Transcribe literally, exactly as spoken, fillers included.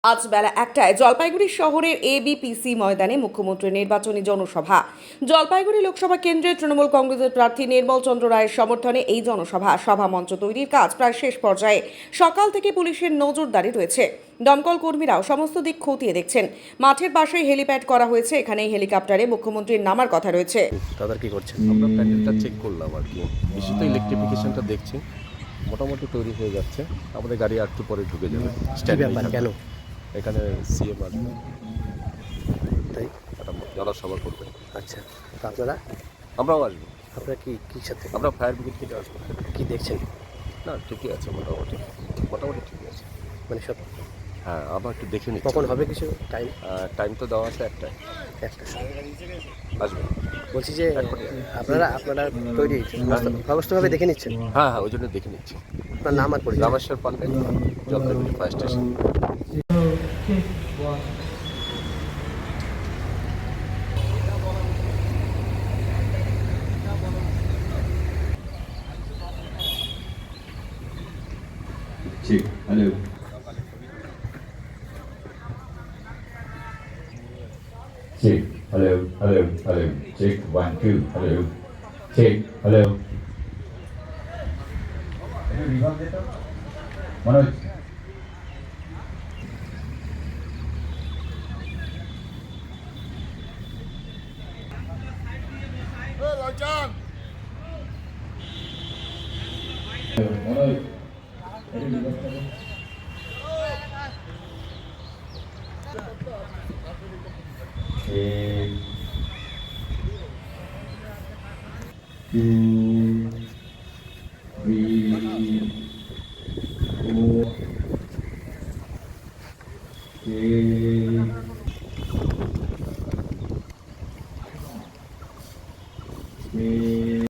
আজ বেলা একটায় জলপাইগুড়ি শহরের এবিপিসি ময়দানে মুখ্যমন্ত্রীর নির্বাচনী জনসভা। জলপাইগুড়ি লোকসভা কেন্দ্রে তৃণমূল কংগ্রেসের প্রার্থী নির্মল চন্দ্র রায়ের সমর্থনে এই জনসভা। সভা মঞ্চ তৈরির কাজ প্রায় শেষ পর্যায়ে। সকাল থেকে পুলিশের নজরদারি রয়েছে। দমকল কর্মীরাও সমস্ত দিক খতিয়ে দেখছেন। মাঠের পাশেই হেলিপ্যাড করা হয়েছে। এখানেই হেলিকপ্টারে মুখ্যমন্ত্রীর নামার কথা রয়েছে। দাদা কি করছেন? আমরা প্যান্ডেলটা চেক করলাম আর কি, বিশেষত ইলেকট্রিফিকেশনটা দেখছি মোটামুটি তৈরি হয়ে যাচ্ছে। আমাদের গাড়ি আর একটু পরে ঢুকে যাবে। কেন এখানে সিএম আসবে, তাই? একটা জনসভা করবে। আচ্ছা, তো আপনারা আমরাও আসবো। আপনারা কি কি সাথে আমরা ফায়ার ব্রিগেড থেকে আসবো। কি দেখছেন? না, ঠিকই আছে, মোটামুটি মোটামুটি ঠিকই আছে। মানে সব হ্যাঁ, আবার একটু দেখে নিচ্ছি। কখন হবে কিছু টাইম? টাইম তো দেওয়া আছে একটাই, একটা আসবে। বলছি যে আপনারা আপনারা তৈরি ব্যবস্থাভাবে দেখে নিচ্ছেন? হ্যাঁ হ্যাঁ, ওই জন্য দেখে নিচ্ছি। আপনার নাম আর পরিচয়? Rameshwar Pandey, Jalpaiguri fire station. Check. Hello. Check. Hello. Hello. Hello. Check. One, two. Hello. Check. Hello. Manoj. Manoj. Check. Two, three, four. Check. Check.